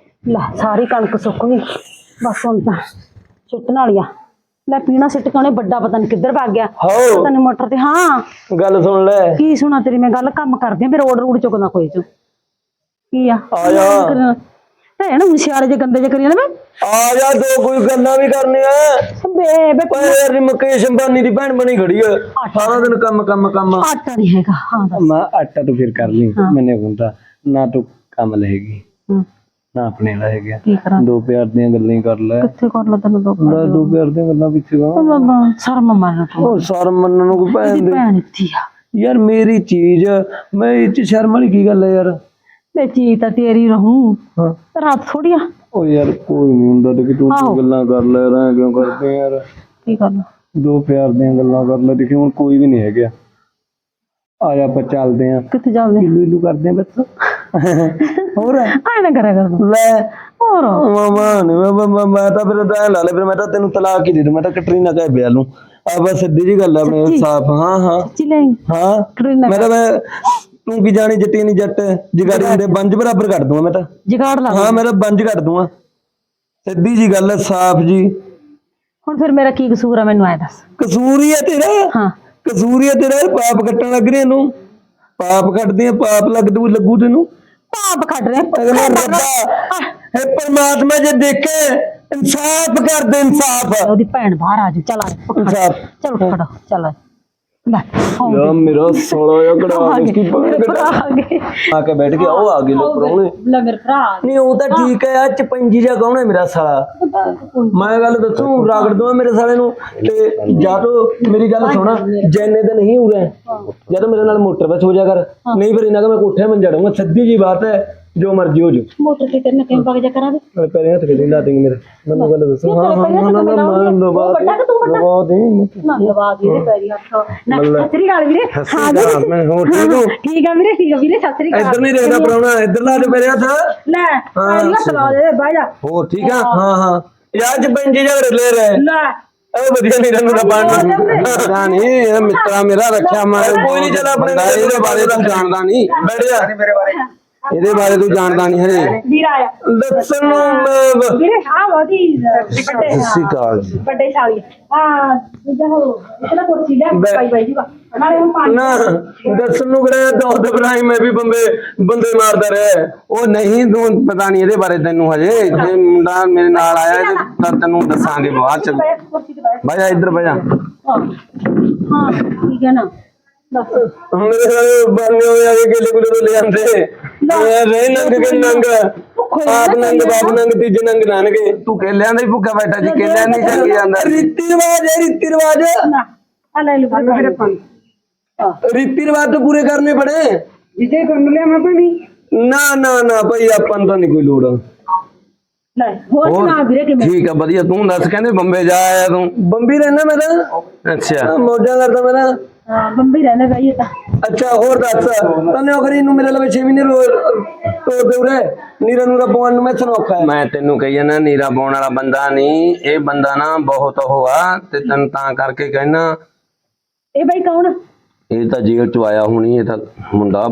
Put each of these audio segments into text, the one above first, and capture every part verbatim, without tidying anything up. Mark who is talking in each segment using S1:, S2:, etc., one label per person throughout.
S1: ला सारी कणक सुक गई बस हुण तां सुट्टण वाली आ। लै पीना सिट के बड़ा पता नहीं किधर भाग गया पता नहीं मोटर ते। हाँ
S2: गल सुन ले
S1: की सुना तेरी मैं गल कम करदी फिर रोड रूड चुकदा कोई चो की आ
S2: आजा
S1: भैन हूं सियाले जे गंदे जे करी जाने
S2: आजा दो कोई गल्लां भी करनी है
S1: बे बे
S2: पर यार मुकेश अंबानी दी भैन बनी खड़ी है सारा दिन कम कम कम
S1: आटा नहीं हैगा। हाँ
S2: मैं आटा तो फिर कर ली मैंने कहता ना तू कम लेगी ना अपने रहेगा दो प्यार दी गल्लां कर ले
S1: किथे कर ला तैनूं दो
S2: मैं दो प्यार दी गल्लां पिछे गा
S1: शर्म मन
S2: ओ शर्म मनन को भैन दी
S1: भैन इत्थी आ
S2: यार मेरी चीज मैं इच शर्म वाली की गल है यार
S1: मैं चीज तां तेरी रहूं
S2: हां
S1: रात थोड़ी आ
S2: ओ यार कोई नहीं हुंदा ते कि तू गल्लां कर ले रहा क्यों करते यार
S1: की करना
S2: दो प्यार दी गल्लां कर ले देखी हुण कोई भी नहीं है गया आजा पर चलदे हैं
S1: किथे चलदे
S2: इलू इलू करदे हैं बस और
S1: आए ना करा कर
S2: ले
S1: और
S2: मामा मैं मैं तो फिर तो ला ले फिर मैं तो तेन तलाक ही दे दूं मैं तो कटरीना कह ब्याह लूं अब बस सीधी जी गल अपने साफ। हां हां
S1: सच्ची ले
S2: हां मैं तो मैं तू की जानी जट्टी नहीं जट जगाड़ी दे बंज बराबर कर दूंगा मैं तो
S1: जुगाड़ ला।
S2: हां मैं तो बंज कर दूंगा सीधी जी गल है साफ जी।
S1: हुण फिर मेरा की कसूर है मैनू आए दस
S2: कसूर ही है तेरा।
S1: हाँ
S2: कसूर ही है तेरा पाप कट्टन लग रही है पाप कटदी है पाप लगदू लगू तेनू
S1: पाप कट रहे
S2: हे परमात्मा जे देखे इंसाफ कर दे इंसाफ
S1: ओदी भैन बाहर आ जा चल आ
S2: इंसाफ
S1: चल खड़ा चल ले
S2: यार मेरा सोला या कड़ा इसकी आके बैठ गया वो आगे लो परौने
S1: ले मेरे भरा
S2: नहीं वो तो ठीक है यार चपंजी जा कौन है मेरा साला मैं गल दसूं रगड़ दूं मेरे साले नू ते जा तो मेरी गल सुना जैने दिन नहीं उड़े या तो मेरे नाल मोटर पे सो जा कर नहीं फिर इना का मैं कोठे में जड़ूंगा सीधी जी बात है जो मर्जी हो जो
S1: मोटर के करने कहीं भाग जा करा दे
S2: मैं पैरे हाथ के ला देंगे मेरे मैं गल दसूं हां हां ना ना मैं दबा दबा दे
S1: ना दबा दे पैरी हाथ ना सतरी गाल वीरे हां
S2: मैं हो ठीक हूं
S1: ठीक है वीरे ठीक है वीरे सतरी गाल
S2: इधर नहीं देखदा परौना इधर ला दे मेरे हाथ
S1: ले पैरी हाथ ला दे भाई जा
S2: हो ठीक है हां हां यार चपंजी झगड़ ले रहे
S1: ले
S2: ए बढ़िया नहीं रहने का पानी पता नहीं मित्रा मेरा रखा मैं कोई नहीं चला अपने ਇਹਦੇ ਬਾਰੇ ਤੂੰ ਜਾਣਦਾ ਨਹੀਂ ਬੈਠ ਜਾ ਮੇਰੇ ਬਾਰੇ ਇਹਦੇ ਬਾਰੇ ਤੂੰ ਜਾਣਦਾ ਨਹੀਂ ਹਰੇ
S1: ਵੀਰ ਆਇਆ
S2: ਦੱਸਣ ਨੂੰ
S1: ਵੀਰੇ ਆ ਵਾਦੀ ਵੱਡੇ
S2: ਸਿਕਾਲ
S1: ਵੱਡੇ ਸਾਲੀ ਹਾਂ ਜਿੱਦਾਂ ਹੋ ਇਤਨਾ ਕੁਰਸੀ ਲੈ ਪਾਈ ਬਾਈ ਜੀ ਨਾਲੇ ਹੁਣ ਪਾਣੀ
S2: ਨਾ ਦੱਸਣ ਨੂੰ ਕਿਹੜਾ ਦੋਦ ਇਬਰਾਹਿਮ ਮੈਂ ਵੀ ਬੰਦੇ ਬੰਦੇ ਮਾਰਦਾ ਰਿਹਾ ਉਹ ਨਹੀਂ ਤੂੰ ਪਤਾ ਨਹੀਂ ਇਹਦੇ ਬਾਰੇ ਤੈਨੂੰ ਹਜੇ ਜੇ ਮੁੰਡਾ ਮੇਰੇ ਨਾਲ ਆਇਆ ਤਾਂ ਤੈਨੂੰ ਦੱਸਾਂਗੇ ਬਾਅਦ ਚ ਬਹਿ ਜਾ ਇੱਧਰ ਬਹਿ ਜਾ
S1: ਹਾਂ ਠੀਕ ਹੈ ਨਾ ਦੱਸ
S2: ਮੇਰੇ ਨਾਲ ਬੰਨੇ ਹੋਏ ਆ ਕੇ ਕੇਲੇ ਕੁਲੇ ਲੈ ਜਾਂਦੇ ਰੇ ਨੰਗ ਕੇ ਨੰਗ ਆਪ ਨੰਗ ਬਾਪ ਨੰਗ ਤੀਜ ਨੰਗ ਨਾਨਗੇ ਤੂੰ ਕੇਲਿਆਂ ਦਾ ਹੀ ਭੁੱਖਾ ਬੈਠਾ ਜੀ ਕੇਲਿਆਂ ਨਹੀਂ ਚੱਕੀ ਜਾਂਦਾ ਰੀਤੀ ਰਿਵਾਜ ਹੈ ਰੀਤੀ ਰਿਵਾਜ
S1: ਆ ਲੈ ਲੂ ਮੇਰੇ ਪਾਣੀ
S2: रीति रिवाज तो पूरे करने पड़े
S1: जिसे कर लिया मैं पानी
S2: ना ना ना भाई अपन तो नहीं कोई लोड़
S1: ले हो सुना वीरे कि
S2: ठीक है बढ़िया तू दस कहंदे बंबे जा आया तू बंबी रहना मैं तो अच्छा मौजा करदा मेरा
S1: हां बंबी रहना भाई ता
S2: अच्छा और दस तने अगर इनु मेरे लवे छह महीने तो दे रे नीरा नूरा पवन नु मैं सनोखा है मैं तेनु कही जाना नीरा पाउन वाला बंदा नहीं ए बंदा ना बहुत होआ ते तन ता करके कहना
S1: ए भाई कौन
S2: ਇਹ ਤਾਂ ਜੇਲ੍ਹ ਚ ਆਇਆ ਹੁਣੀ ਇਹ ਤਾਂ ਮੁੰਡਾ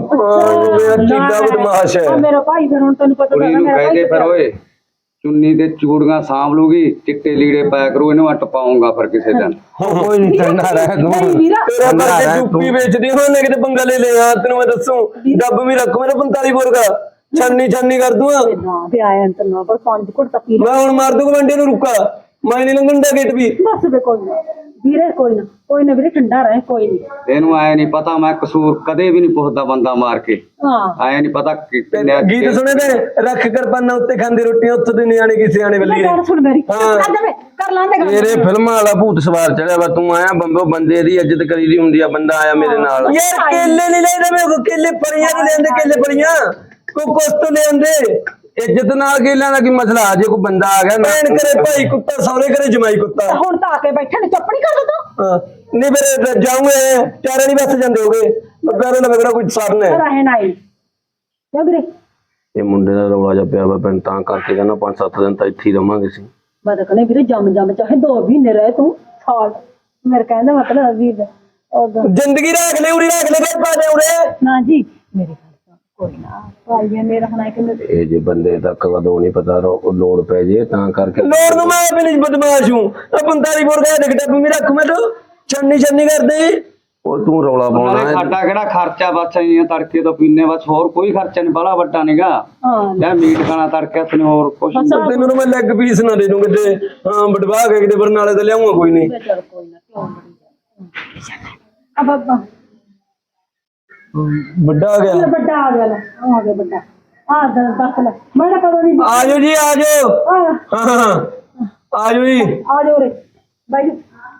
S2: ਚੀੜਾ ਬਦਮਾਸ਼ ਹੈ
S1: ਮੇਰਾ ਭਾਈ ਫਿਰ ਹੁਣ ਤੈਨੂੰ ਪਤਾ
S3: ਕੁੜੀ ਨੂੰ ਕਹਦੇ ਫਿਰ ਓਏ ਚੁੰਨੀ ਤੇ ਚੂੜੀਆਂ ਸਾਂਭ ਲੂਗੀ ਚਿੱਟੇ ਲੀੜੇ ਪਾਇਆ ਕਰੂ ਇਹਨੂੰ ਅੱਟ ਪਾਉਂਗਾ ਫਿਰ ਕਿਸੇ ਦਿਨ
S2: ਕੋਈ ਨਹੀਂ ਠੰਡਾ ਰਹਿ ਤੂੰ ਤੇਰਾ ਕਰਕੇ ਚੁੱਪੀ ਵੇਚਦੀ ਹੋਣੇ ਕਿਤੇ ਪੰਗਾ ਲੈ ਲੈ ਆ ਤੈਨੂੰ ਮੈਂ ਦੱਸੂ ਡੱਬ ਵੀ ਰੱਖ ਮੇਰਾ ਪੰਤਾਲੀ ਬੋਰ ਦਾ ਛੰਨੀ ਛੰਨੀ ਕਰ ਦੂੰ
S1: ਤੇ ਆਇਆ ਅੰਤ ਨਾ ਪਰ ਪੰਜ ਘੁੱਟ ਤਾਂ ਪੀ
S2: ਮੈਂ ਹੁਣ ਮਾਰ ਦੂੰਗਾ ਵੰਡੇ ਨੂੰ ਰੁੱਕਾ ਮੈਂ ਨਹੀਂ ਲੰਘਣ ਦਾ ਗੇਟ ਵੀ
S1: ਬਸ ਵੇ ਕੋਈ ਨਾ ਵੀਰੇ ਕੋਈ ਨਾ ਕੋਈ ਨਾ ਵੀਰੇ ਠੰਡਾ ਰਹੇ ਕੋਈ ਨਹੀਂ
S3: ਇਹਨੂੰ ਆਏ ਨਹੀਂ ਪਤਾ ਮੈਂ ਕਸੂਰ ਕਦੇ ਵੀ ਨਹੀਂ ਪੁੱਛਦਾ ਬੰਦਾ ਮਾਰ ਕੇ
S1: ਹਾਂ
S3: ਆਏ ਨਹੀਂ ਪਤਾ
S2: ਗੀਤ ਸੁਣੇ ਤੇ ਰੱਖ ਕਿਰਪਾਨਾਂ ਉੱਤੇ ਖਾਂਦੀ ਰੋਟੀਆਂ ਉੱਥੇ ਦੇ ਨਿਆਣੇ ਕਿਸੇ ਆਣੇ ਵੱਲੀ
S1: ਗੱਲ ਸੁਣ ਮੇਰੀ ਕਰ ਦੇਵੇ ਕਰ ਲਾਂਦੇ ਗੱਲ
S2: ਮੇਰੇ ਫਿਲਮਾਂ ਵਾਲਾ ਭੂਤ ਸਵਾਰ ਚੜਿਆ ਵਾ ਤੂੰ ਆਇਆ ਬੰਬੋ ਬੰਦੇ ਦੀ ਇੱਜ਼ਤ ਕਰੀਦੀ ਹੁੰਦੀ ਆ ਬੰਦਾ ਆਇਆ ਮੇਰੇ ਨਾਲ ਯਾਰ ਕੇਲੇ ਨਹੀਂ ਲੈਂਦੇ ਮੈਂ ਕੇਲੇ ਪਰੀਆਂ ਨੂੰ ਲੈਂਦੇ ਕੇਲੇ ਪਰੀਆਂ ਕੋ ਕੁਛ ਤੋਂ ਲੈਂਦੇ ਇੱਜ਼ਤ ਨਾਲ ਕੇਲਿਆਂ ਦਾ ਕੀ ਮਸਲਾ ਜੇ ਕੋਈ ਬੰਦਾ ਆ ਗਿਆ ਭੈਣ ਕਰੇ ਭਾਈ ਕੁੱਤਾ ਸੌਰੇ ਕਰੇ ਜਮਾਈ ਕੁੱਤਾ
S1: ਹੁਣ ਤਾਂ ਆ ਕੇ ਬੈਠੇ ਨੇ ਚੁੱਪ ਨਹੀਂ ਕਰ ਦੋ
S2: ਹਾਂ ਨਹੀਂ ਫਿਰ ਜਾਉਂਗੇ ਚਾਰੇ ਨਹੀਂ ਬਸ ਜਾਂਦੇ ਹੋਗੇ ਪਿਆਰੇ ਨਾਲ ਮੇਰਾ ਕੋਈ ਸਾਧਨ ਹੈ
S1: ਰਹਿਣ ਆਈ ਜਾ ਵੀਰੇ
S2: ਇਹ ਮੁੰਡੇ ਦਾ ਰੌਲਾ ਜਿਹਾ ਪਿਆ ਵਾ ਪਿੰਡ ਤਾਂ ਕਰਕੇ ਕਹਿੰਦਾ ਪੰਜ ਸੱਤ ਦਿਨ ਤਾਂ ਇੱਥੇ ਹੀ ਰਵਾਂਗੇ ਸੀ
S1: ਮੈਂ ਤਾਂ ਕਹਿੰਦਾ ਵੀਰੇ ਜੰਮ ਜੰਮ ਚਾਹੇ ਦੋ ਮਹੀਨੇ ਰਹੇ ਤੂੰ ਸਾਲ ਮੇਰੇ ਕਹਿੰਦਾ ਮਤਲਬ ਵੀਰ
S2: ਜ਼ਿੰਦਗੀ ਰੱਖ ਲੈ ਉਰੀ ਰੱਖ ਲੈ ਘਰ ਪਾ ਦੇ ਉਰੇ
S1: ਨਾ ਜੀ ਮੇਰੀ ਕੋਈ ਨਾ ਭਾਈ ਮੇਰਾ ਹਣਾ ਕਿ
S2: ਇਹ ਜੇ ਬੰਦੇ ਤੱਕ ਕਦੋਂ ਨਹੀਂ ਪਤਾ ਰੋ- ਲੋੜ ਪੈ ਜੇ ਤਾਂ ਕਰਕੇ
S4: ਲੋੜ ਨੂੰ ਮੈਂ ਵੀ ਨਹੀਂ ਬਦਮਾਸ਼ ਹੂੰ ਆ ਪੰਤਾਲੀ ਬੋਰ ਦਾ ਦੇਖਦਾ ਤੂੰ ਮੇਰਾ ਰੱਖ ਮੈਂ ਤੂੰ ਛੰਨੀ ਛੰਨੀ ਕਰਦੇ
S2: ਉਹ ਤੂੰ ਰੌਲਾ ਪਾਉਣਾ
S3: ਨਾਲੇ
S2: ਹੈ।
S3: ਸਾਡਾ ਕਿਹੜਾ ਖਰਚਾ ਬਸ ਆਈਆਂ ਤੜਕੇ ਤੋਂ ਪੀਨੇ ਬਸ ਹੋਰ ਕੋਈ ਖਰਚਾ ਨਹੀਂ ਬਾਲਾ ਵੱਡਾ ਨਹੀਂਗਾ
S1: ਹਾਂ
S3: ਯਾਰ ਮੀਟ ਖਾਣਾ ਤੜਕੇ ਤੈਨੂੰ ਹੋਰ ਕੁਛ ਨੀ।
S4: ਤੈਨੂੰ ਤਾਂ ਮੈਂ ਲੈਗ ਪੀਸ ਨਾ ਦੇ ਦੂੰ ਕਿਤੇ ਹਾਂ ਬਟਵਾ ਕੇ ਕਿਤੇ ਬਰਨਾਲੇ ਤੇ ਲਿਆਉਂਗਾ ਕੋਈ ਨਹੀਂ
S1: ਚੱਲ ਕੋਈ ਨਾ ਕਿਉਂ ਬੜੀ ਆ ਬਾਬਾ
S4: ਵੱਡਾ ਆ ਗਿਆ
S1: ਵੱਡਾ ਆ ਗਿਆ ਲੈ ਆ ਗਿਆ ਵੱਡਾ ਆ ਦੱਸ ਲੈ ਮੈਂ ਤਾਂ ਕਦੋਂ ਨਹੀਂ
S4: ਆ ਜਾਓ ਜੀ ਆ ਜਾਓ
S1: ਆ
S4: ਹਾਂ ਹਾਂ ਆ ਜਾਓ ਜੀ
S1: ਆ ਜਾਓ ਰੇ ਬਾਈ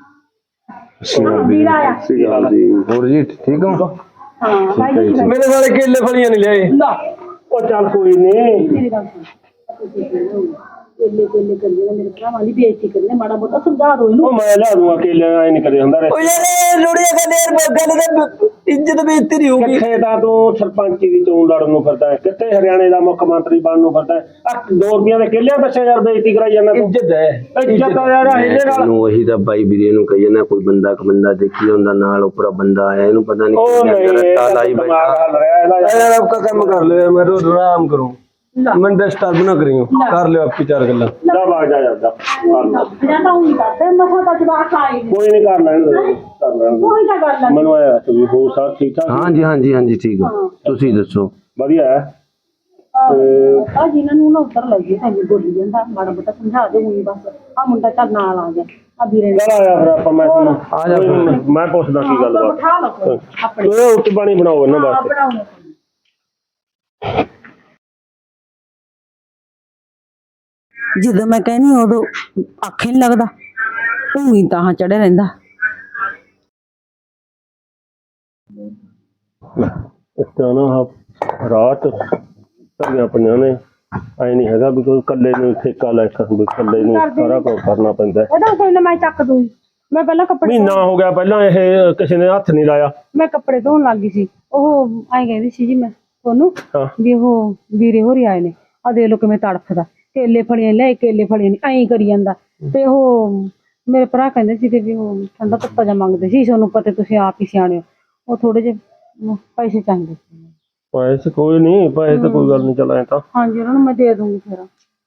S1: ਵੀਰ ਆਇਆ
S2: ਹੋਰ ਜੀ ਠੀਕ ਹੋ
S1: ਹਾਂ ਬਾਈ ਜੀ
S4: ਮੇਰੇ ਸਾਰੇ ਕੇਲੇ ਫਲੀਆਂ ਨਹੀਂ ਲਿਆਏ
S1: ਲਾ
S4: ਉਹ ਚੱਲ ਕੋਈ ਨਹੀਂ
S1: ਮੇਰੀ ਗੱਲ ਸੁਣ ਕੇਲੇ ਕੇਲੇ ਕਰੀਏ ਮੇਰੇ ਭਰਾਵਾਂ ਦੀ ਬੇਇੱਜ਼ਤੀ ਕਰੀਏ ਮਾੜਾ ਮੋਟਾ ਸਮਝਾ ਦੋ ਇਹਨੂੰ
S4: ਉਹ ਮੈਂ ਲਿਆ ਦੂੰਗਾ ਕੇਲੇ ਐ ਨਹੀਂ ਕਦੇ ਹੁੰਦਾ ਰੇ ਉਹ ਯਾਰ ਲੋੜੀਆਂ ਗੱਲ ਯਾਰ ਗੱਲ ਤੇ ਇੱਜ਼ਤ ਬੇਇੱਜ਼ਤੀ ਨਹੀਂ ਹੋਊਗੀ
S5: ਕਿੱਥੇ ਤਾਂ ਤੂੰ ਸਰਪੰਚੀ ਦੀ ਚੋਣ ਲੜਨ ਨੂੰ ਫਿਰਦਾ ਹੈ, ਕਿੱਥੇ ਹਰਿਆਣੇ ਦਾ ਮੁੱਖ ਮੰਤਰੀ ਬਣਨ ਨੂੰ ਫਿਰਦਾ ਹੈ। ਆ ਦੋ ਰੁਪਈਆਂ ਦੇ ਕਿੱਲੇ ਪਿੱਛੇ ਯਾਰ ਬੇਇੱਜ਼ਤੀ ਕਰਾਈ ਜਾਂਦਾ ਤੂੰ।
S4: ਇੱਜ਼ਤ ਹੈ
S5: ਇੱਜ਼ਤ ਆ ਯਾਰ ਇਹਦੇ ਨਾਲ
S2: ਨੂੰ ਉਹੀ ਤਾਂ ਬਾਈ ਵੀਰੇ ਨੂੰ ਕਹੀ ਜਾਂਦਾ ਕੋਈ ਬੰਦਾ ਕ ਬੰਦਾ ਦੇਖੀ ਹੁੰਦਾ ਨਾਲ ਉੱਪਰ ਬੰਦਾ ਆਇਆ ਇਹਨੂੰ ਪਤਾ
S5: ਉਹ
S2: ਨਹੀਂ
S5: ਨਹੀਂ
S2: ਰੱਟਾ ਲਾਈ
S5: ਦਿਮਾਗ
S2: ਬੈਠਾ
S5: ਹੱਲ ਰਿਹਾ ਇਹਦਾ ਯਾਰ।
S4: यार आपका काम कर लो मैं रोज आराम करूं मैं डिस्टर्ब ना करियो कर लो आपकी चार गल्ला
S5: ਜਾ ਬਾਗ ਜਾ ਜਾਂਦਾ ਕਰ ਲੈ।
S1: ਜਾਂਦਾ ਹੂੰ ਨਹੀਂ ਕਰਦੇ ਮਸਾ ਤਾਂ ਜਵਾਕ ਆਏ ਨੇ
S5: ਕੋਈ ਨਹੀਂ ਕਰ ਲੈਣ ਦੇ ਕਰ ਲੈਣ ਦੇ।
S1: ਕੋਈ ਤਾਂ ਗੱਲ ਨਹੀਂ
S5: ਮੈਨੂੰ ਆਇਆ ਤੁਸੀਂ ਹੋ ਸਭ ਠੀਕ ਠਾਕ
S2: ਹਾਂਜੀ ਹਾਂਜੀ ਹਾਂਜੀ ਠੀਕ ਆ ਤੁਸੀਂ ਦੱਸੋ
S5: ਵਧੀਆ ਹੈ।
S1: ਆ ਜਿਨ੍ਹਾਂ ਨੂੰ ਨਾ ਉੱਤਰ ਲੱਗੇ ਸਾਨੂੰ ਬੋਲੀ ਜਾਂਦਾ ਮਾੜਾ ਮੋਟਾ ਸਮਝਾ ਦੇ ਉਹੀ ਬਸ ਆ ਮੁੰਡਾ ਚੱਲ ਨਾਲ ਆ ਗਿਆ ਆ ਵੀਰੇ ਨੇ
S5: ਚੱਲ ਆਇਆ ਫਿਰ ਆਪਾਂ ਮੈਂ ਤੁਹਾਨੂੰ
S2: ਆ ਜਾ
S5: ਕੋਈ ਨੀ, ਮੈਂ ਪੁੱਛਦਾ ਕੀ ਗੱਲ ਬਾਤ
S1: ਬਿਠਾ ਲਓ ਆਪਣੇ
S5: ਉਹ ਰੋਟੀ ਪਾਣੀ ਬਣਾਓ ਇਹਨਾਂ
S1: ਹਾਂ
S5: ਵਾਸਤੇ
S1: ਬਣਾਉਣੇ ਜਦੋਂ ਮੈਂ ਕਹਿੰਦੀ ਉਦੋਂ ਆਖੇ ਨਹੀਂ ਲੱਗਦਾ ਤੂੰ ਹੀ ਤਾਂ ਚੜੇ ਰਹਿੰਦਾ
S5: ਇਸ ਤਰ੍ਹਾਂ ਨਾ ਆਹ ਰਾਤ ਧਰੀਆਂ ਪਈਆਂ ਨੇ ਐ ਨਹੀਂ ਹੈਗਾ ਵੀ ਕੋਈ ਇਕੱਲੇ ਨੂੰ ਠੇਕਾ ਲੈ ਕੇ ਵੀ ਇਕੱਲੇ ਨੂੰ ਸਾਰਾ ਕੁਝ ਕਰਨਾ ਪੈਂਦਾ ਹੈ।
S1: ਇਹਦਾ ਕੋਈ ਨਾ ਮੈਂ ਚੱਕ ਦੂੰ ਮੈਂ ਪਹਿਲਾਂ ਕੱਪੜੇ
S5: ਮਹੀਨਾ ਹੋ ਗਿਆ ਪਹਿਲਾਂ ਇਹ ਕਿਸੇ ਨੇ ਹੱਥ ਨਹੀਂ ਲਾਇਆ।
S1: ਮੈਂ ਕੱਪੜੇ ਧੋਣ ਲੱਗ ਗਈ ਸੀ ਉਹ ਐਂ ਕਹਿੰਦੀ ਸੀ ਜੀ ਮੈਂ ਤੁਹਾਨੂੰ
S5: ਹਾਂ
S1: ਵੀ ਉਹ ਵੀਰੇ ਹੋਰੀ ਆਏ ਨੇ ਆ ਦੇਖ ਲੋ ਕਿਵੇਂ ਤੜਫਦਾ ਕੇਲੇ ਫੜੀਆਂ ਲੈ ਕੇਲੇ ਫੜੀਆਂ ਨਹੀਂ ਐਂ ਕਰੀ ਜਾਂਦਾ ਤੇ ਉਹ ਮੇਰੇ ਭਰਾ ਕਹਿੰਦੇ ਸੀ ਕਿ ਵੀ ਉਹ ਠੰਡਾ ਤੱਤਾ ਜਾ ਮੰਗਦੇ ਸੀ ਤੁਹਾਨੂੰ ਪਤਾ ਤੁਸੀਂ ਆਪ ਹੀ ਸਿਆਣੇ ਹੋ ਉਹ ਥੋੜੇ ਜਿਹੇ ਪੈਸੇ ਚਾਹੀਦੇ ਸੀ
S5: ਪੈਸੇ ਕੋਈ ਨਹੀਂ ਪੈਸੇ ਤਾਂ ਕੋਈ ਗੱਲ ਨਹੀਂ ਚਲਾਏ ਤਾਂ
S1: ਹਾਂਜੀ ਉਹਨਾਂ ਨੂੰ ਮੈਂ ਦੇ ਦੂੰਗੀ ਫਿਰ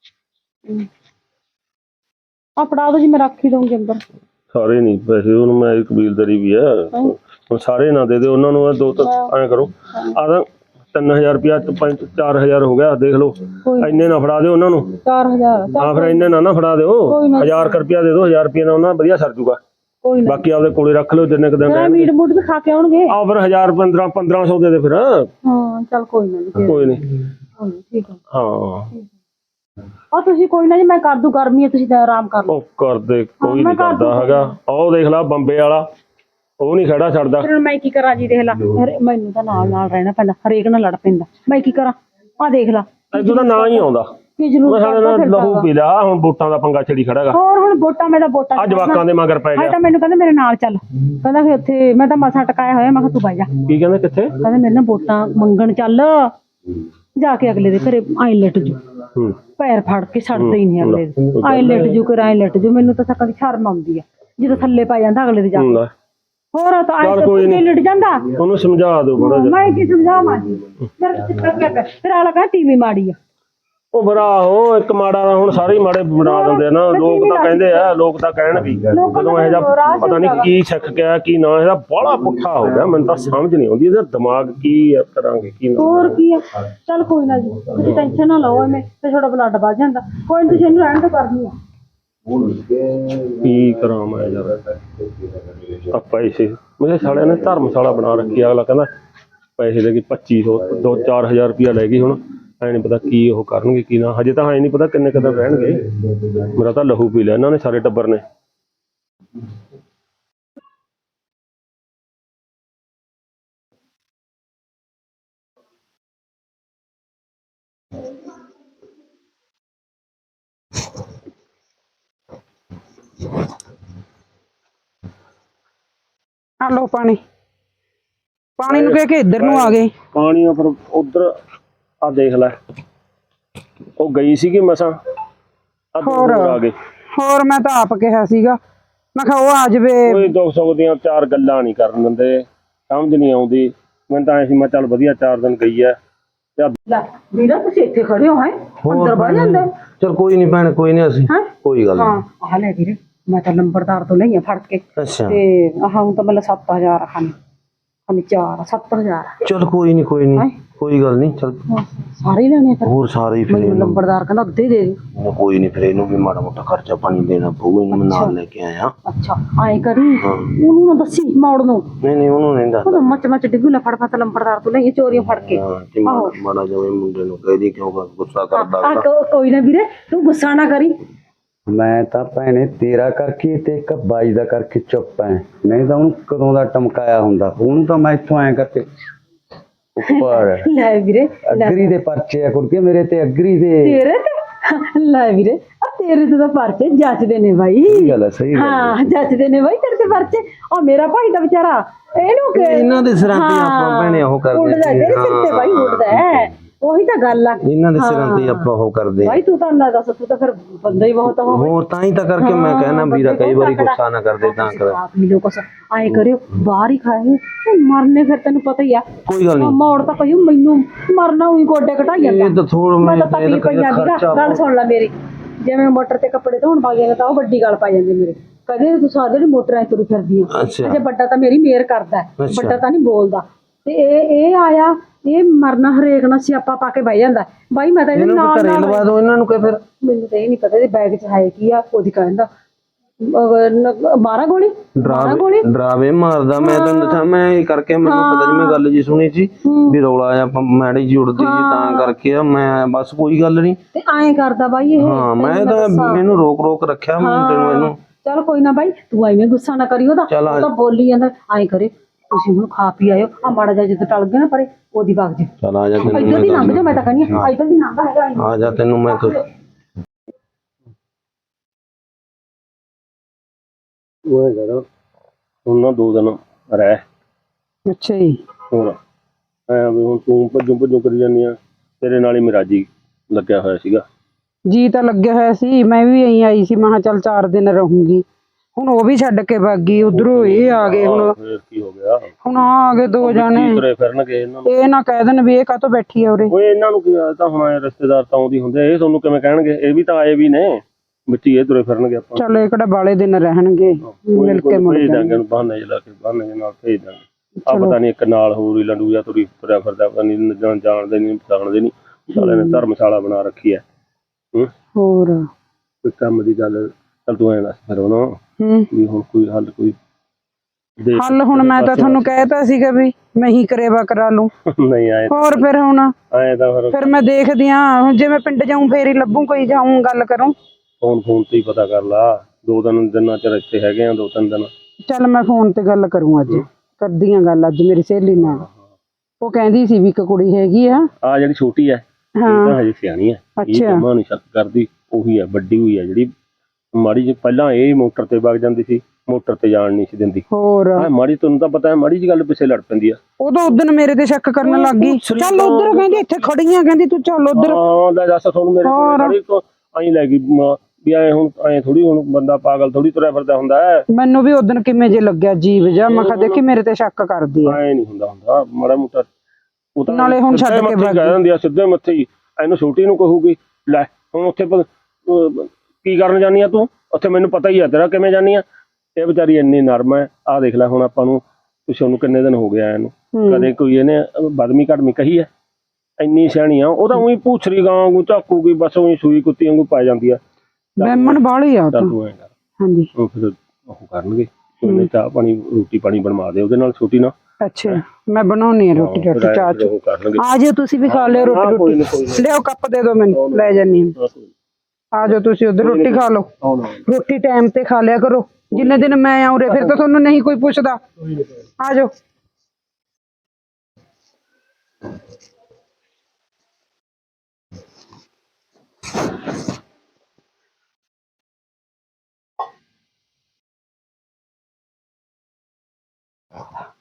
S1: ਆ ਫੜਾ ਦੋ ਜੀ ਮੈਂ ਰੱਖ ਹੀ ਦਊਂਗੀ ਅੰਦਰ
S5: ਸਾਰੇ ਨਹੀਂ ਪੈਸੇ ਉਹਨੂੰ ਮੈਂ ਕਬੀਲਦਾਰੀ ਵੀ ਹੈ ਹੁਣ ਸਾਰੇ ਨਾ ਦੇ ਦੇ ਉਹਨਾਂ ਨੂੰ ਇਹ ਦੋ ਤਾਂ ਐਂ ਕਰੋ ਆ ਤਾਂ ਤਿੰਨ ਹਜ਼ਾਰ ਰੁਪਇਆ ਪੰਜ ਚਾਰ ਹਜ਼ਾਰ ਹੋ ਗਿਆ ਦੇਖ ਲਓ ਇੰਨੇ ਨਾ ਫੜਾ ਦਿਓ ਉਹਨਾਂ ਨੂੰ
S1: ਚਾਰ ਹਜ਼ਾਰ
S5: ਹਾਂ ਫਿਰ ਇੰਨੇ ਨਾ ਨਾ ਫੜਾ ਦਿਓ ਹਜ਼ਾਰ ਕੁ ਰੁਪਇਆ ਦੇ ਦਿਓ ਹਜ਼ਾਰ ਰੁਪਇਆ ਨਾਲ ਉਹਨਾਂ ਵਧੀਆ ਸਰ ਜੂਗਾ
S1: ਕੋਈ ਨਾ
S5: ਬਾਕੀ ਆਪਦੇ ਕੋਲੇ ਰੱਖ ਲਓ ਜਿੰਨੇ ਕੁ ਦਿਨ
S1: ਮੈਂ
S5: ਰਹਿਣਗੇ
S1: ਮੀਟ ਮੂਟ ਵੀ ਖਾ ਕੇ ਆਉਣਗੇ
S5: ਆ ਫਿਰ ਹਜ਼ਾਰ ਪੰਦਰਾਂ ਪੰਦਰਾਂ ਸੌ ਦੇ ਦੇ ਫਿਰ
S1: ਹਾਂ ਚੱਲ ਕੋਈ ਨਾ ਜੀ
S5: ਕੋਈ ਨਹੀਂ
S1: ਕੋਈ ਨੀ, ਠੀਕ ਹੈ
S5: ਹਾਂ
S1: ਆ ਤੁਸੀਂ ਕੋਈ ਨਾ ਜੀ ਮੈਂ ਕਰ ਦੂ ਗਰਮੀ ਹੈ ਤੁਸੀਂ ਤਾਂ ਆਰਾਮ ਕਰ ਲਓ
S5: ਉਹ ਕਰਦੇ ਕੋਈ ਨਹੀਂ ਕਰਦਾ ਹੈਗਾ ਉਹ ਦੇਖ ਲਾ ਬੰਬੇ ਵਾਲਾ ਉਹ ਨਹੀਂ ਖੜਾ ਛੱਡਦਾ
S1: ਫਿਰ ਮੈਂ ਕੀ ਕਰਾਂ ਜੀ ਦੇਖ ਲਾ ਹਰੇ- ਮੈਨੂੰ ਤਾਂ ਨਾਲ ਨਾਲ ਰਹਿਣਾ ਪੈਂਦਾ ਹਰੇਕ ਨਾਲ ਲੜ ਪੈਂਦਾ ਮੈਂ ਕੀ ਕਰਾਂ ਆ ਦੇਖ ਲਾ
S5: ਇਦੋਂ ਦਾ ਨਾਂ ਹੀ ਆਉਂਦਾ
S1: ਕੀ
S5: ਮੈਂ
S1: ਜ਼ਰੂਰ
S5: ਸਾਡੇ ਨਾਲ ਲਹੂ ਪੀ ਲਿਆ ਹੁਣ ਵੋਟਾਂ ਦਾ ਪੰਗਾ ਛੜੀ ਖੜਾਗਾ
S1: ਹੋਰ ਹੁਣ ਵੋਟਾਂ ਮੈਂ ਤਾਂ ਵੋਟਾਂ
S5: ਆ ਜਵਾਕਾਂ ਦੇ ਮਗਰ ਪੈ
S1: ਹਾਂ
S5: ਗਿਆ
S1: ਤਾਂ ਮੈਨੂੰ ਕਹਿੰਦਾ ਮੇਰੇ ਨਾਲ ਚੱਲ ਕਹਿੰਦਾ ਫਿਰ ਉੱਥੇ ਮੈਂ ਤਾਂ ਮਸਾਂ ਟਕਾਇਆ ਹੋਇਆ ਮੈਂ ਕਿਹਾ ਤੂੰ ਬਹਿ ਜਾ
S5: ਕੀ ਕਹਿੰਦੇ ਕਿੱਥੇ
S1: ਕਹਿੰਦਾ ਮੇਰੇ ਨਾਲ ਵੋਟਾਂ ਮੰਗਣ ਚੱਲ ਜਾ ਕੇ ਅਗਲੇ ਦੇ ਘਰੇ ਆਈ ਲਟ ਜੂ
S5: ਹੂੰ
S1: ਪੈਰ ਫੜ ਕੇ ਛੱਡਦੇ ਹੀ ਨਹੀਂ ਅਗਲੇ ਦੇ ਆਈ ਲਟ ਜੂ ਕਰ ਆਈ ਲਟ ਜੂ ਮੈਨੂੰ ਤਾਂ ਸਕਾਂ ਦੀ ਸ਼ਰਮ ਆਉਂਦੀ ਆ ਜਦੋਂ ਥੱਲੇ ਪੈ ਜਾਂਦਾ ਅਗਲੇ ਦੇ ਜਾ ਕੇ।
S5: ਹੁੰਦਾ
S1: ਹੋਰ ਤਾਂ
S5: ਚੱਲ
S1: ਆਈ
S5: ਕੋਈ ਨੀ।
S1: ਤੇ ਲਟ ਜਾਂਦਾ
S5: ਉਹਨੂੰ ਸਮਝਾ ਦਿਓ ਬੜਾ ਜਿਹਾ
S1: ਮੈਂ ਕੀ ਸਮਝਾਵਾਂ ਜੀ ਫਿਰ ਚਿੱਤਰ ਕਿਆ ਕਰ ਫਿਰ ਆਲਾ ਕਹਿੰਦਾ ਟੀਵੀ ਮਾੜੀ ਆ
S5: ਉਹ ਬਰਾ ਉਹ ਇੱਕ ਮਾੜਾ ਦਾ ਹੁਣ ਸਾਰੇ ਹੀ ਮਾੜੇ ਬਣਾ ਦਿੰਦੇ ਆ ਨਾ ਲੋਕ ਤਾਂ ਕਹਿੰਦੇ ਆ ਲੋਕ ਤਾਂ ਕਹਿਣ ਵੀ ਜਦੋਂ ਇਹ ਜਿਹਾ ਪਤਾ ਨਹੀਂ ਕੀ ਸਿੱਖ ਗਿਆ ਕੀ ਨਾ ਇਹਦਾ ਬਾਹਲਾ ਪੁੱਠਾ ਹੋ ਗਿਆ ਮੈਨੂੰ ਤਾਂ ਸਮਝ ਨਹੀਂ ਆਉਂਦੀ ਇਹਦਾ ਦਿਮਾਗ ਕੀ ਆ ਕਰਾਂਗੇ ਕੀ ਨਾ
S1: ਹੋਰ ਕੀ ਆ ਚੱਲ ਕੋਈ ਨਾ ਜੀ ਤੁਸੀਂ ਟੈਨਸ਼ਨ ਨਾ ਲਓ ਐਵੇਂ ਤੇ ਤੁਹਾਡਾ ਬਲੱਡ ਵੱਧ ਜਾਂਦਾ ਕੋਈ ਨੀ ਤੁਸੀਂ ਇਹਨੂੰ ਰਹਿਣ ਤੋਂ ਕਰਨੀ ਆ
S5: ਕੀ ਕਰਾਂ ਮੈਂ ਯਾਰ ਆ ਪੈਸੇ ਮੇਰੇ ਸਾਲਿਆਂ ਨੇ ਧਰਮਸ਼ਾਲਾ ਬਣਾ ਰੱਖੀ ਅਗਲਾ ਕਹਿੰਦਾ ਪੈਸੇ ਦੇ ਕੇ ਪੱਚੀ ਸੌ ਦੋ ਚਾਰ ਹਜ਼ਾਰ ਰੁਪਇਆ ਲੈ ਗਈ ਹੁਣ ਐ ਨਹੀਂ ਪਤਾ ਕੀ ਉਹ ਕਰਨਗੇ ਕੀ ਨਾ ਹਜੇ ਤਾਂ ਐ ਨਹੀਂ ਪਤਾ ਕਿੰਨੇ ਕਦਰ ਰਹਿਣਗੇ ਮੇਰਾ ਤਾਂ ਲਹੂ ਪੀ ਲਿਆ ਇਹਨਾਂ ਨੇ ਸਾਰੇ ਟੱਬਰ ਨੇ
S6: ਆ ਲੋ ਪਾਣੀ ਪਾਣੀ ਨੂੰ ਕਹਿ ਕੇ ਇੱਧਰ ਨੂੰ ਆ ਗਏ
S5: ਪਾਣੀ ਆ ਫਿਰ ਉਧਰ ਆ ਦੇਖ ਲੈ ਉਹ ਗਈ ਸੀਗੀ ਮਸਾਂ ਆ
S6: ਹੋਰ
S5: ਆ ਗਏ
S6: ਹੋਰ ਮੈਂ ਤਾਂ ਆਪ ਕਿਹਾ ਸੀਗਾ ਮੈਂ ਕਿਹਾ ਉਹ ਆ ਜਵੇ
S5: ਕੋਈ ਦੁੱਖ ਸੁੱਖ ਦੀਆਂ ਚਾਰ ਗੱਲਾਂ ਨਹੀਂ ਕਰਨ ਦਿੰਦੇ ਸਮਝ ਨਹੀਂ ਆਉਂਦੀ ਮੈਨੂੰ ਤਾਂ ਐ ਸੀ ਮੈਂ ਚੱਲ ਵਧੀਆ ਚਾਰ ਦਿਨ ਗਈ ਐ
S1: ਲੈ ਵੀਰਾ ਤੁਸੀਂ ਇੱਥੇ ਖੜੇ ਹੋ ਹੈ ਅੰਦਰ ਵੜ ਜਾਂਦੇ
S2: ਚਲ ਕੋਈ ਨਹੀਂ ਭੈਣ ਕੋਈ ਨਹੀਂ ਅਸੀਂ
S1: ਹੈਂ?
S2: ਕੋਈ ਗੱਲ
S1: ਹਾਂ
S2: ਨਹੀਂ
S1: ਆ ਲੈ ਵੀਰੇ ਮੈਂ ਤਾਂ ਲੰਬੜਦਾਰ ਤੋਂ ਲਈਆਂ ਫੜ ਕੇ
S2: ਅੱਛਾ
S1: ਤੇ ਆਹ ਹੁਣ ਤਾਂ ਮਤਲਬ ਸੱਤ ਹਜ਼ਾਰ ਖਾਣੀ ਖਾਣੀ ਚਾਰ ਸੱਤ ਹਜ਼ਾਰ
S2: ਚਲ ਕੋਈ ਨਹੀਂ ਕੋਈ ਨਹੀਂ ਕੋਈ ਗੱਲ ਨਹੀਂ ਚਲ
S1: ਸਾਰੇ ਹੀ ਲੈਣੇ ਫਿਰ
S2: ਹੋਰ ਸਾਰੇ ਹੀ ਫਿਰ
S1: ਮੈਨੂੰ
S2: ਇਹਨੂੰ
S1: ਲੰਬੜਦਾਰ ਕਹਿੰਦਾ ਅੱਧੇ ਦੇ ਦੇ
S2: ਇਹਨੂੰ ਕੋਈ ਨਹੀਂ ਫਿਰ ਇਹਨੂੰ ਵੀ ਮਾੜਾ ਮੋਟਾ ਖਰਚਾ ਪਾਣੀ ਦੇਣਾ ਪਊ ਇਹਨੂੰ ਮੈਂ ਨਾਲ ਲੈ ਕੇ ਆਇਆ
S1: ਅੱਛਾ ਐਂ ਕਰੀ ਉਹਨੂੰ ਨਾ ਦੱਸੀ ਮੌੜ ਨੂੰ
S2: ਨਹੀਂ ਨਹੀਂ ਉਹਨੂੰ ਨਹੀਂ ਦੱਸ
S1: ਉਹਦਾ ਮੱਚ ਮੱਚ ਡਿੱਗੂ ਲੈ ਫੜ ਫੜ ਲੰਬੜਦਾਰ ਤੋਂ ਲਈਏ ਚੋਰੀਆਂ ਫੜ ਕੇ
S2: ਹਾਂ ਕਿ ਮਾੜਾ ਮਾੜਾ ਜਿਹਾ ਇਹ ਮੁੰਡੇ ਨੂੰ ਕਹਿ ਦੀ ਕਿਉਂ ਗੁੱਸਾ ਕਰਦਾ
S1: ਆ ਕੋ- ਕੋਈ ਨਾ ਵੀਰੇ ਤੂੰ ਗੁੱਸਾ ਨਾ ਕਰੀ
S3: ਮੈਂ ਤਾਂ ਭੈਣੇ ਤੇਰਾ ਕਰਕੇ ਤੇ ਇੱਕ ਬਾਈ ਦਾ ਕਰਕੇ ਚੁੱਪ ਐ ਨਹੀਂ ਤਾਂ ਉਹਨੂੰ ਕਦੋਂ ਦਾ ਟਮਕਾਇਆ ਹੁੰਦਾ ਉਹਨੂੰ ਤਾਂ ਮੈਂ ਇੱਥੋਂ ਐ ਕਰਕੇ ਉੱਪਰ
S1: ਲੈ ਵੀਰੇ ਲੈ
S3: ਅਗਰੀ ਦੇ ਪਰਚੇ ਆ ਕੁੜਕੇ ਮੇਰੇ ਤੇ ਅਗਰੀ ਦੇ
S1: ਤੇਰੇ ਤੇ ਲੈ ਵੀਰੇ ਆ ਤੇਰੇ ਤੇ ਤਾਂ ਪਰਚੇ ਜੱਜਦੇ ਨੇ ਬਾਈ
S3: ਸਹੀ ਗੱਲ ਹੈ ਸਹੀ ਗੱਲ ਹੈ।
S1: ਹਾਂ ਜੱਜਦੇ ਨੇ ਬਾਈ ਤੇਰੇ ਤੇ ਪਰਚੇ ਉਹ ਮੇਰਾ ਭਾਈ ਦਾ ਵਿਚਾਰਾ ਇਹਨੂੰ ਕਿ
S2: ਇਹਨਾਂ ਦੇ ਸਿਰਾਂ ਤੇ ਆਪਾਂ ਭੈਣੇ ਉਹ ਕਰਦੇ
S1: ਉੱਡਦਾ
S2: ਸੀ।
S1: ਤੇਰੇ ਸਿਰ ਤੇ ਬਾਈ ਉੱਡਦਾ ਹੈ ਉਹੀ ਤਾਂ ਗੱਲ ਆ
S2: ਇਹਨਾਂ ਦੇ ਸਿਰਾਂ ਤੇ ਆਪਾਂ ਉਹ ਕਰਦੇ
S1: ਬਾਈ ਤੂੰ ਤਾਂ ਨਾ ਦੱਸ ਤੂੰ ਤਾਂ ਫਿਰ ਬੰਦਾ ਹੀ ਬਹੁਤ ਹੋ
S2: ਹੋਰ ਤਾਂ ਹੀ ਤਾਂ ਕਰਕੇ ਮੈਂ ਕਹਿਣਾ ਵੀਰਾ ਕਈ ਵਾਰੀ ਗੁੱਸਾ ਨਾ ਕਰਦੇ ਤਾਂ ਕਰ
S1: ਆਪ ਹੀ ਲੋਕ ਆਏ ਕਰਿਓ ਬਾਹਰ ਹੀ ਖਾਏ ਉਹ ਮਰਨੇ ਫਿਰ ਤੈਨੂੰ ਪਤਾ ਹੀ ਆ
S2: ਕੋਈ ਗੱਲ ਨਹੀਂ
S1: ਮੌੜ ਤਾਂ ਕਹੀ ਮੈਨੂੰ ਮਰਨਾ ਉਹੀ ਗੋਡੇ ਘਟਾਈ ਜਾਂਦਾ
S2: ਇਹ ਤਾਂ ਥੋੜਾ
S1: ਮੈਂ
S2: ਮੈਂ
S1: ਤਾਂ ਤਕਲੀ ਪਈ ਜਾਂਦੀ ਨਾ ਗੱਲ ਸੁਣ ਲੈ ਮੇਰੀ ਜਿਵੇਂ ਮੋਟਰ ਤੇ ਕੱਪੜੇ ਧੋਣ ਪਾ ਜਾਂਦੇ ਤਾਂ ਉਹ ਵੱਡੀ ਗੱਲ ਪਾ ਜਾਂਦੀ ਮੇਰੇ ਕਦੇ ਤੂੰ ਸਾਰੇ ਜਿਹੜੀ ਮੋਟਰਾਂ ਤੁਰੀ ਫਿਰਦੀ ਆ
S2: ਅੱਛਾ
S1: ਅਜੇ ਵੱਡਾ ਤਾਂ ਮੇਰੀ ਮੇਰ ਕਰਦਾ ਹੈ,
S2: ਅੱਛਾ।
S1: ਵੱਡਾ ਤਾਂ ਨਹੀਂ ਬੋਲਦਾ ਤੇ ਇਹ ਇਹ ਆਇਆ ਇਹ ਮਰਨਾ ਹਰੇਕ ਨਾਲ ਸਿਆਪਾ ਪਾ ਕੇ ਬਹਿ ਜਾਂਦਾ ਬਾਈ ਮੈਂ ਤਾਂ ਇਹਦੇ
S2: ਇਹਨੂੰ
S1: ਨਾਲ
S2: ਘਰੇ
S1: ਨਾਲ
S2: ਲਵਾ ਦੋ ਇਹਨਾਂ ਨੂੰ ਕਹੇ ਫਿਰ
S1: ਮੈਨੂੰ ਤਾਂ ਇਹ ਨਹੀਂ ਪਤਾ ਇਹਦੇ ਬੈਗ 'ਚ ਹੈ ਕੀ ਆ ਉਹਦੀ ਕਹਿੰਦਾ ਮਾਰਾ ਗੋਲੀ ਮਾਰਾ ਗੋਲੀ
S2: ਡਰਾਵੇ ਡਰਾਵੇ ਮਾਰਦਾ ਮੈਂ ਤੈਨੂੰ ਦੱਸਾਂ ਮੈਂ ਇਹ ਕਰਕੇ ਮੈਨੂੰ ਪਤਾ ਜੀ ਮੈਂ ਗੱਲ ਜੀ ਸੁਣੀ ਸੀ ਵੀ ਰੌਲਾ ਆ ਮੈੜੀ ਜੀ ਉੜਦੀ ਜੀ ਤਾਂ ਕਰਕੇ ਆ ਮੈਂ ਬਸ ਕੋਈ ਗੱਲ ਨਹੀਂ
S1: ਤੇ ਐਂ ਕਰਦਾ ਬਾਈ ਇਹ
S2: ਹਾਂ ਮੈਂ ਤਾਂ ਇਹਨੂੰ ਰੋਕ ਰੋਕ ਰੱਖਿਆ ਮੁੰਡੇ ਨੂੰ ਇਹਨੂੰ
S1: ਚਲ ਕੋਈ ਨਾ ਬਾਈ ਤੂੰ ਐਵੇਂ ਗੁੱਸਾ ਨਾ ਕਰੀ ਉਹਦਾ
S2: ਚੱਲ ਆ।
S1: ਉਹ ਤਾਂ ਬੋਲੀ ਜਾਂਦਾ ਐਂ ਕਰੇ ਤੁਸੀਂ ਹੁਣ ਖਾ ਪੀ ਆਇਓ ਆ ਮਾੜਾ ਜਿਹਾ ਜਦੋਂ ਟਲ ਗਿਆ ਨਾ ਪਰੇ ਉਹਦੀ ਵਗ ਜੀ
S2: ਚਲ ਆ ਜਾ ਤੈਨੂੰ
S1: ਇੱਧਰ ਦੀ
S2: ਮੈਂ
S1: ਲੰਘ ਜਾ ਮੈਂ ਤਾਂ ਕਹਿੰਦੀ ਆ ਇੱਧਰ ਦੀ ਲੰਘ ਹੈਗਾ ਐਂ।
S2: ਆ ਜਾ ਤੈਨੂੰ ਮੈਂ ਕੁਛ
S5: ਉਹ ਹੈਗਾ ਉਹਨਾਂ ਦੋ ਦਿਨ ਰਹਿ
S6: ਅੱਛਾ ਜੀ
S5: ਹੋਰ ਐ ਵੀ ਹੁਣ ਤੂੰ ਭੱਜੂ ਭੱਜੂ ਕਰੀ ਜਾਂਦੀ ਆ ਤੇਰੇ ਨਾਲ ਹੀ ਮਿਰਾਜੀ ਲੱਗਿਆ ਹੋਇਆ ਸੀਗਾ
S6: ਜੀ ਤਾਂ ਲੱਗਿਆ ਹੋਇਆ ਸੀ ਮੈਂ ਵੀ ਐਂ ਆਈ ਸੀ ਮੈਂ ਕਿਹਾ ਚੱਲ ਚਾਰ ਦਿਨ ਰਹੂੰਗੀ ਹੁਣ ਉਹ ਵੀ ਛੱਡ ਕੇ ਭੱਗ ਗਈ ਉਧਰੋਂ ਇਹ ਆ ਗਏ ਹੁਣ
S5: ਫੇਰ ਕੀ ਹੋ ਗਿਆ
S6: ਹੁਣ ਆ ਆ ਗਏ ਦੋ ਜਾਣੇ
S5: ਕੀ ਤੁਰੇ ਫਿਰਨਗੇ ਇਹਨਾਂ ਨੂੰ
S6: ਇਹ ਨਾ ਕਹਿ ਦੇਣ ਵੀ ਇਹ ਕਾਹਤੋਂ ਬੈਠੀ ਆ ਉਰੇ
S5: ਓਏ ਇਹਨਾਂ ਨੂੰ ਕੀ ਆ ਤਾਂ ਹੁਣ ਆਏ ਰਿਸ਼ਤੇਦਾਰ ਤਾਂ ਆਉਂਦੀ ਹੁੰਦੇ ਇਹ ਤੁਹਾਨੂੰ ਕਿਵੇਂ ਕਹਿਣਗੇ ਇਹ ਵੀ ਤਾਂ ਆਏ ਵੀ ਨੇ ਬੱਚੀ ਇਹ ਤੁਰੇ ਫਿਰਨਗੇ ਆਪਾਂ
S6: ਚੱਲ ਇਹ ਕਿਹੜਾ ਬਾਲੇ ਦਿਨ ਰਹਿਣਗੇ ਮਿਲ ਕੇ ਮੁੜ
S5: ਭੇਜ
S6: ਜਾਣਗੇ
S5: ਦਾਂਗੇ ਉਹਨੂੰ ਬਹਾਨੇ ਜਿਹਾ ਲਾ ਕੇ ਬਹਾਨੇ ਜਿਹੇ ਨਾਲ ਭੇਜ ਦਾਂਗੇ ਆ ਪਤਾ ਨਹੀਂ ਇੱਕ ਨਾਲ ਹੋਰ ਹੀ ਲੰਡੂ ਜਾਂ ਤੁਰੀ ਤੁਰਿਆ ਫਿਰਦਾ ਪਤਾ ਨਹੀਂ ਜਾਣਦੇ ਨਹੀਂ ਪਛਾਣਦੇ ਨਹੀਂ ਸਾਲੇ ਨੇ ਧਰਮਸ਼ਾਲਾ ਬਣਾ ਰੱਖੀ ਹੈ ਹੂੰ
S6: ਹੋਰ
S5: ਕੋਈ ਕੰਮ ਦੀ ਗੱਲ ਚੱਲ ਤੂੰ ਐਂ ਦੱਸ ਫਿਰ ਉਹਨੂੰ
S6: ਹੂੰ
S5: ਵੀ ਹੁਣ ਕੋਈ ਹੱਲ ਕੋਈ ਦੇਖ
S6: ਹੱਲ ਹੁਣ ਮੈਂ ਤਾਂ ਤੁਹਾਨੂੰ ਕਹਿਤਾ ਸੀਗਾ ਵੀ ਮੈਂ ਹੀ ਕਰੇਵਾ ਕਰਾ ਲੂੰ
S5: ਨਹੀਂ ਆਏ
S6: ਹੋਰ ਫਿਰ ਹੁਣ
S5: ਆਏ ਤਾਂ ਫਿਰ
S6: ਫਿਰ ਮੈਂ ਦੇਖਦੀ ਆ ਹੁਣ ਜੇ ਮੈਂ ਪਿੰਡ ਜਾਊਂ ਫੇਰ ਹੀ ਲੱਭੂ ਕੋਈ ਜਾਊਂ ਗੱਲ ਕਰੂੰ
S5: ਫੋਨ ਫੋਨ ਤੇ ਹੀ ਪਤਾ ਕਰ ਲਾ ਦੋ ਦਿਨ ਦਿਨਾਂ ਚ ਇੱਥੇ ਹੈਗੇ ਆ ਦੋ ਤਿੰਨ ਦਿਨ
S6: ਚੱਲ ਮੈਂ ਫੋਨ ਤੇ ਗੱਲ ਕਰੂੰ ਅੱਜ ਕਰਦੀ ਆ ਗੱਲ ਅੱਜ ਮੇਰੀ ਸਹੇਲੀ ਨਾਲ ਉਹ ਕਹਿੰਦੀ ਸੀ ਵੀ ਇੱਕ ਕੁੜੀ ਹੈਗੀ ਆ
S5: ਆ ਜਿਹੜੀ ਛੋਟੀ ਐ ਇਹ ਤਾਂ ਹਜੇ ਸਿਆਣੀ ਐ ਇਹ
S6: ਅੱਛਾ।
S5: ਜਮਾ ਨਹੀਂ ਸ਼ੱਕ ਕਰਦੀ ਉਹੀ ਐ ਵੱਡੀ ਹੋਈ ਐ ਜਿਹੜੀ ਮਾੜੀ ਜਿਹੀ ਪਹਿਲਾਂ ਇਹ ਮੋਟਰ ਤੇ ਵਗ ਜਾਂਦੀ ਸੀ ਮੋਟਰ ਤੇ ਜਾਣ ਨਹੀਂ ਸੀ ਦਿੰਦੀ
S6: ਹੋਰ
S5: ਆ ਮਾੜੀ ਤੁਹਾਨੂੰ ਤਾਂ ਪਤਾ ਹੈ ਮਾੜੀ ਜਿਹੀ ਗੱਲ ਪਿੱਛੇ ਲੜ ਪੈਂਦੀ ਆ
S6: ਉਦੋਂ ਉਦੋਂ ਮੇਰੇ ਤੇ ਸ਼ੱਕ ਕਰਨ ਲੱਗ ਗਈ ਚੱਲ ਉਧਰ ਕਹਿੰਦੀ ਇੱਥੇ ਖੜੀਆਂ ਕਹਿੰਦੀ ਤੂੰ ਚੱਲ ਉਧਰ
S5: ਹਾਂ ਲੈ ਦੱਸ ਤੁਹਾਨੂੰ ਮੇਰੇ ਕੋਲ ਖੜੀ ਤੋਂ ਆਈ ਲੈ ਗਈ ਮ- ਵੀ ਐ ਹੁਣ ਐ ਥੋੜੀ ਹੁਣ ਬੰਦਾ ਪਾਗਲ ਥੋੜੀ ਤੁਰਿਆ ਫਿਰਦਾ ਹੁੰਦਾ ਹੈ
S6: ਮੈਨੂੰ ਵੀ ਉਦੋਂ ਕਿਵੇਂ ਜੇ ਲੱਗਿਆ ਜੀਵ ਜਾ ਮੈਂ ਕਿਹਾ ਦੇਖੀ ਮੇਰੇ ਤੇ ਸ਼ੱਕ ਕਰਦੀ ਆ
S5: ਐ ਨਹੀਂ ਹੁੰਦਾ ਹੁੰਦਾ ਮਾੜਾ ਮੋਟਾ ਉਹ ਤਾਂ
S6: ਨਾਲੇ ਹੁਣ ਛੱਡ ਕੇ
S5: ਕਹਿ ਦਿੰਦੀ ਆ ਸਿੱਧੇ ਮੱਥੇ ਹੀ ਇਹਨੂੰ ਛੋਟੀ ਨੂੰ ਕਹੂਗੀ ਲੈ ਹੁਣ ਉੱਥੇ ਪ- ਅਹ ਕੀ ਕਰਨ ਜਾਨੀ ਆ ਤੂੰ ਉੱਥੇ ਮੈਨੂੰ ਪਤਾ ਹੀ ਆ ਤੇਰਾ ਕਿਵੇਂ ਜਾਨੀ ਆ ਇਹ ਵਿਚਾਰੀ ਇੰਨੀ ਨਰਮ ਹੈ ਆਹ ਦੇਖ ਲੈ ਹੁਣ ਆਪਾਂ ਨੂੰ ਕੁਛ ਉਹਨੂੰ ਕਿੰਨੇ ਦਿਨ ਹੋ ਗਿਆ ਇਹਨੂੰ ਕਦੇ ਕੋਈ ਇਹਨੇ ਬਦਮੀ ਘਟਮੀ ਕਹੀ ਹੈ ਇੰਨੀ ਸਿਆਣੀ ਆ ਉਹ ਤਾਂ ਉਹੀ ਪੂਛਰੀ ਗਾਂ ਵਾਂਗੂ ਝਾਕੂਗੀ ਬਸ ਉਹੀ ਸੂਈ ਕੁੱਤੀ ਵਾਂਗੂ ਪੈ ਜਾਂਦੀ ਆ
S6: ਬੈਮਣ ਬਾਲੀ ਆ ਉਹ ਤਾਂ
S5: ਚੱਲ ਤੂੰ ਐਂ ਕਰ
S6: ਹਾਂਜੀ
S5: ਉਹ ਫਿਰ ਉਹ ਕਰਨਗੇ ਉਹਨੇ ਚਾਹ ਪਾਣੀ ਰੋਟੀ ਪਾਣੀ ਬਣਵਾ ਦੇ ਉਹਦੇ ਨਾਲ ਛੋਟੀ ਨਾਲ
S6: ਅੱਛਾ ਮੈਂ ਬਣਾਉਣੀ ਆ ਰੋਟੀ
S5: ਫਿਰ
S6: ਰੋਟੀ
S5: ਐਂ
S6: ਚਾਹ
S5: ਫਿਰ ਉਹ ਕਰਨਗੇ
S6: ਆ ਜਾਓ ਤੁਸੀਂ ਵੀ ਖਾ ਲਿਓ
S5: ਹਾਂ,
S6: ਰੋਟੀ
S5: ਕੋਈ ਨੀ, ਕੋਈ
S6: ਰੋਟੀ ਲਿਆਓ ਕੱਪ ਦੇ ਦਿਓ ਮੈਨੂੰ ਲੈ ਜਾਨੀ ਆ ਆ ਜਾਓ ਤੁਸੀਂ ਉਧਰ ਰੋਟੀ ਖਾ ਲਓ ਰੋਟੀ ਟਾਈਮ ਤੇ ਖਾ ਲਿਆ ਕਰੋ ਜਿੰਨੇ ਦਿਨ ਮੈਂ ਆਉਰੇ ਫਿਰ ਤਾਂ ਤੁਹਾਨੂੰ ਨਹੀਂ ਕੋਈ ਪੁੱਛਦਾ ਆ ਜਾਓ